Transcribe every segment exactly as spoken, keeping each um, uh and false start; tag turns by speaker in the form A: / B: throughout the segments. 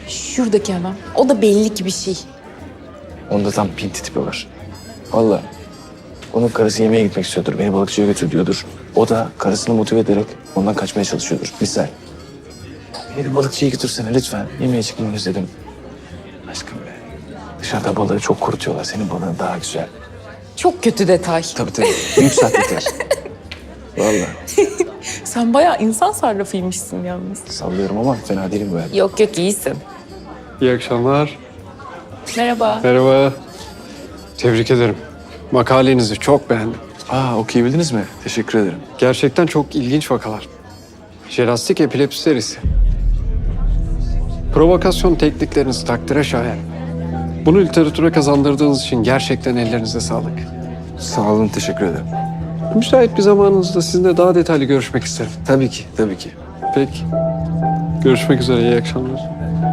A: Şuradaki adam. O da belli ki bir şey.
B: Onda tam pinti tipi var. Vallahi. Onun karısı yemeğe gitmek istiyordur. Beni balıkçıya götür diyordur. O da karısını motive ederek ondan kaçmaya çalışıyordur. Misal. Beni balıkçıya götürsene lütfen. Yemeğe çıkmayı özledim. Aşkım be. Dışarıda balığı çok kurutuyorlar. Senin balığın daha güzel.
A: Çok kötü detay.
B: Tabii tabii. Büyük sahtekar. Vallahi.
A: Sen bayağı insan sarrafıymışsın yalnız.
B: Sallıyorum ama fena değilim böyle.
A: Yok yok iyisin.
C: İyi akşamlar.
A: Merhaba.
C: Merhaba. Tebrik ederim. Makalenizi çok beğendim.
B: Aa okuyabildiniz mi? Teşekkür ederim.
C: Gerçekten çok ilginç vakalar. Jelastik epilepsi serisi. Provokasyon teknikleriniz takdire şayan. Bunu literatüre kazandırdığınız için gerçekten ellerinize sağlık.
B: Sağ olun, teşekkür ederim.
C: Müsait bir zamanınızda sizinle daha detaylı görüşmek isterim.
B: Tabii ki, tabii ki.
C: Peki. Görüşmek üzere, iyi akşamlar.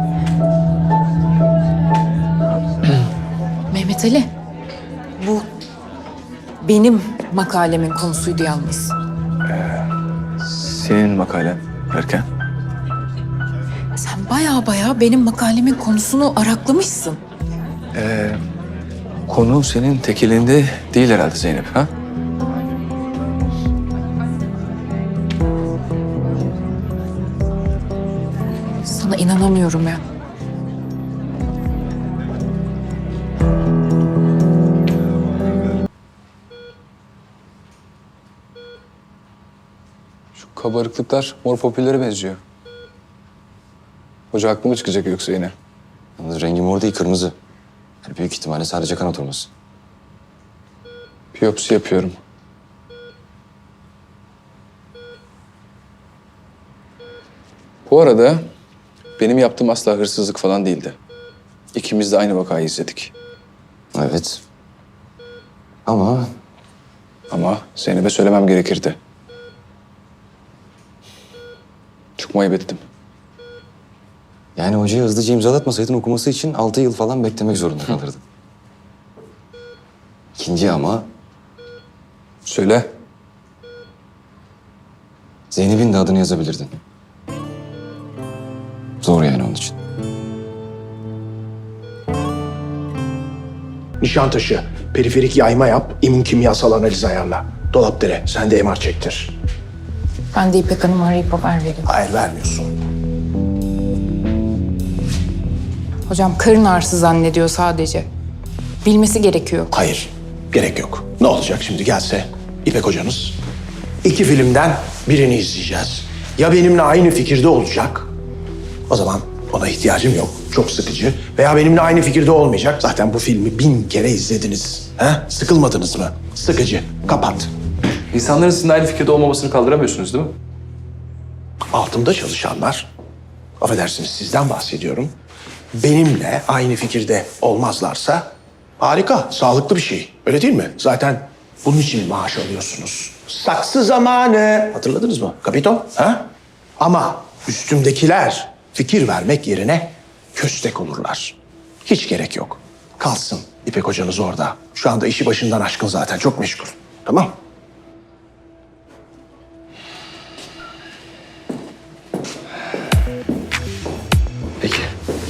A: Mehmet Ali. Bu benim makalemin konusuydu yalnız.
B: Senin makalen derken?
A: Sen bayağı bayağı benim makalemin konusunu araklamışsın.
B: Ee, konu senin tek elinde değil herhalde Zeynep, ha?
A: Sana inanamıyorum ya.
B: Şu kabarıklıklar mor popüllere benziyor. Hoca haklı mı çıkacak yoksa yine?
D: Yalnız rengi mor değil, kırmızı. Yani büyük ihtimalle sadece kan oturması.
B: Biyopsi yapıyorum. Bu arada benim yaptığım asla hırsızlık falan değildi. İkimiz de aynı vakayı izledik.
D: Evet. Ama
B: Ama Zeynep'e söylemem gerekirdi. Çok mu ayıp ettim?
D: yani hocayı hızlıca imzalatmasaydın okuması için altı yıl falan beklemek zorunda kalırdın. İkinci ama
B: Söyle.
D: Zeynep'in de adını yazabilirdin. Zor yani onun için.
E: Nişantaşı, periferik yayma yap, immün kimyasal analiz ayarla. Dolapdere, sen de M R çektir.
A: Ben de İpek Hanım'ı arayıp haber vereyim.
E: Hayır, vermiyorsun.
A: Hocam karın ağrısı zannediyor sadece. Bilmesi gerekiyor.
E: Hayır, gerek yok. Ne olacak şimdi gelse İpek hocanız? İki filmden birini izleyeceğiz. Ya benimle aynı fikirde olacak, o zaman ona ihtiyacım yok. Çok sıkıcı. Veya benimle aynı fikirde olmayacak. Zaten bu filmi bin kere izlediniz. He? Sıkılmadınız mı? Sıkıcı. Kapat.
B: İnsanların sizinle aynı fikirde olmamasını kaldıramıyorsunuz değil mi?
E: Altımda çalışanlar, affedersiniz sizden bahsediyorum. Benimle aynı fikirde olmazlarsa harika, sağlıklı bir şey. Öyle değil mi? Zaten bunun için maaş alıyorsunuz. Saksı zamanı. Hatırladınız mı? Kapito? Ha? Ama üstümdekiler fikir vermek yerine köstek olurlar. Hiç gerek yok. Kalsın İpek hocanız orada. Şu anda işi başından aşkın zaten. Çok meşgul. Tamam?
B: Peki.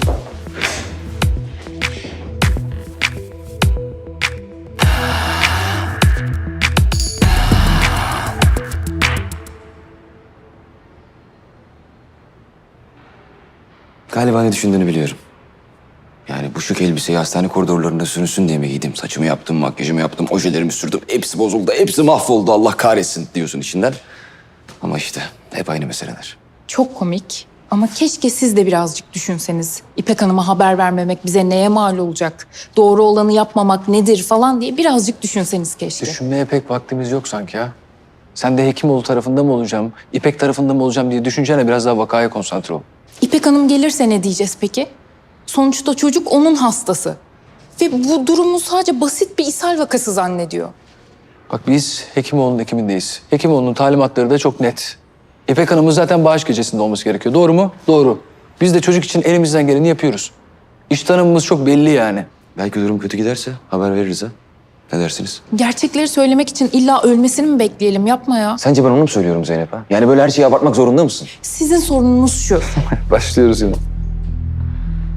D: Galiba ne düşündüğünü biliyorum. Yani bu şık elbiseyi hastane koridorlarında sürünsün diye mi giydim? Saçımı yaptım, makyajımı yaptım, ojelerimi sürdüm. Hepsi bozuldu, hepsi mahvoldu. Allah kahretsin diyorsun içinden. Ama işte hep aynı meseleler.
A: Çok komik ama keşke siz de birazcık düşünseniz. İpek Hanım'a haber vermemek bize neye mal olacak? Doğru olanı yapmamak nedir falan diye birazcık düşünseniz keşke.
B: Düşünmeye pek vaktimiz yok sanki ya. Sen de Hekimoğlu tarafında mı olacağım, İpek tarafında mı olacağım diye düşüncene biraz daha vakaya konsantre ol.
A: İpek Hanım gelirse ne diyeceğiz peki? Sonuçta çocuk onun hastası. Ve bu durumu sadece basit bir ishal vakası zannediyor.
B: Bak biz Hekimoğlu'nun ekimindeyiz. Hekimoğlu'nun talimatları da çok net. İpek Hanım'ın zaten bağış gecesinde olması gerekiyor. Doğru mu? Doğru. Biz de çocuk için elimizden geleni yapıyoruz. İş tanımımız çok belli yani.
D: Belki durum kötü giderse haber veririz ha. Ne dersiniz?
A: Gerçekleri söylemek için illa ölmesini mi bekleyelim? Yapma ya.
D: Sence ben onu mu söylüyorum Zeynep ha? Yani böyle her şeyi abartmak zorunda mısın?
A: Sizin sorununuz şu.
B: Başlıyoruz yine.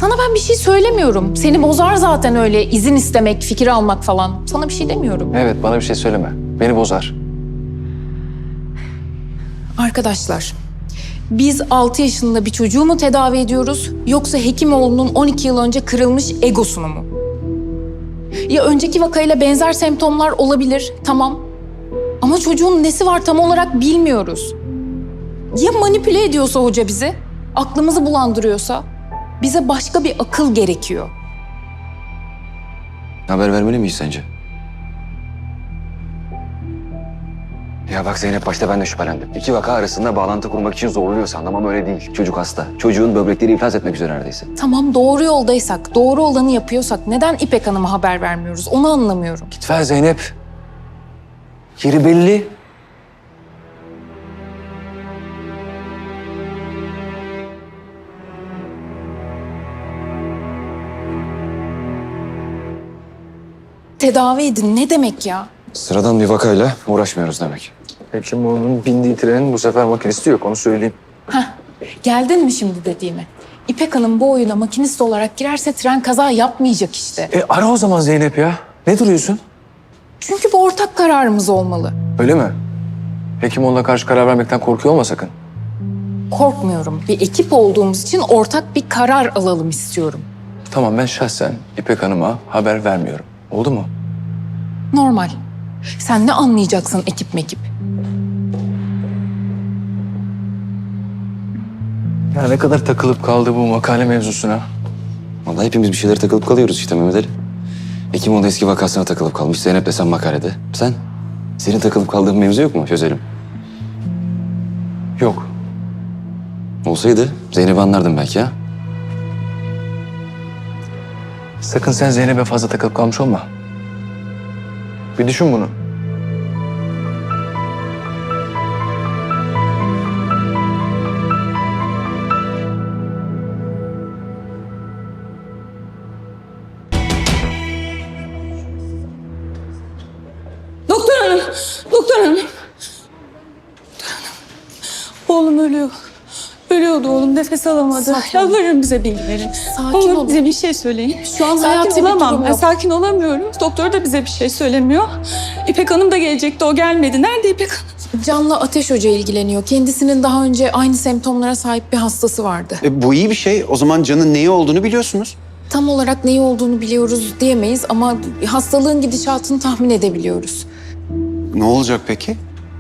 A: Sana ben bir şey söylemiyorum. Seni bozar zaten öyle izin istemek, fikir almak falan. Sana bir şey demiyorum.
B: Evet, bana bir şey söyleme. Beni bozar.
A: Arkadaşlar, biz altı yaşında bir çocuğu mu tedavi ediyoruz yoksa Hekimoğlu'nun on iki yıl önce kırılmış egosunu mu? Ya önceki vakayla benzer semptomlar olabilir, tamam. Ama çocuğun nesi var tam olarak bilmiyoruz. Ya manipüle ediyorsa hoca bizi, aklımızı bulandırıyorsa bize başka bir akıl gerekiyor.
D: Haber vermeli miyiz sence? Ya bak Zeynep, başta ben de şüphelendim. İki vaka arasında bağlantı kurmak için zorluyor sandım ama öyle değil. Çocuk hasta. Çocuğun böbrekleri iflas etmek üzere neredeyse.
A: Tamam, doğru yoldaysak, doğru olanı yapıyorsak neden İpek Hanım'a haber vermiyoruz? Onu anlamıyorum.
B: Git ver Zeynep. Yeri belli.
A: Tedavi edin ne demek ya?
D: Sıradan bir vakayla uğraşmıyoruz demek.
B: Hekimoğlu'nun bindiği trenin bu sefer makinisti yok, onu söyleyeyim.
A: Heh, geldin mi şimdi dediğime? İpek Hanım bu oyuna makinist olarak girerse tren kaza yapmayacak işte.
B: E ara o zaman Zeynep ya. Ne duruyorsun?
A: Çünkü bu ortak kararımız olmalı.
B: Öyle mi? Hekimoğlu'na karşı karar vermekten korkuyor olma sakın.
A: Korkmuyorum. Bir ekip olduğumuz için ortak bir karar alalım istiyorum.
B: Tamam, ben şahsen İpek Hanım'a haber vermiyorum. Oldu mu?
A: Normal. Sen ne anlayacaksın ekip mekip?
B: Ya ne kadar takılıp kaldı bu makale mevzusuna.
D: Vallahi hepimiz bir şeylere takılıp kalıyoruz işte Mehmet Ali. Hekimoğlu eski vakasına takılıp kalmış. Zeynep de sen makalede. Sen? Senin takılıp kaldığın mevzu yok mu? Çözelim.
B: Yok.
D: Olsaydı Zeynep'i anlardım belki ya.
B: Sakın sen Zeynep'e fazla takılıp kalmış olma. Bir düşün bunu.
F: Doktor hanım, doktor hanım. Oğlum ölüyor. Ölüyordu oğlum, nefes alamadı.
A: Sakin ol.
F: Yalvarırım bize bilgi verin.
A: Sakin
F: Oğlum
A: ol.
F: bize bir şey söyleyin.
A: Şu an
F: sakin
A: hayati bir
F: olamam.
A: durum
F: Ben
A: yok.
F: sakin olamıyorum. Doktor da bize bir şey söylemiyor. İpek Hanım da gelecekti, o gelmedi. Nerede İpek Hanım?
A: Can'la Ateş Hoca ilgileniyor. Kendisinin daha önce aynı semptomlara sahip bir hastası vardı.
G: E, bu iyi bir şey. O zaman Can'ın neyi olduğunu biliyorsunuz.
A: Tam olarak neyi olduğunu biliyoruz diyemeyiz ama hastalığın gidişatını tahmin edebiliyoruz.
G: Ne olacak peki?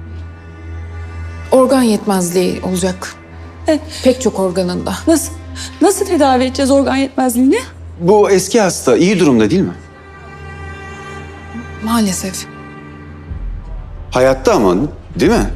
A: Organ yetmezliği olacak.
F: E,
A: Pek çok organında.
F: Nasıl, nasıl tedavi edeceğiz organ yetmezliğini?
G: Bu eski hasta iyi durumda değil mi?
A: Maalesef.
G: Hayatta ama değil mi?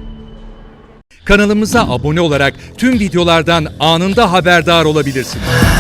H: Kanalımıza abone olarak tüm videolardan anında haberdar olabilirsiniz.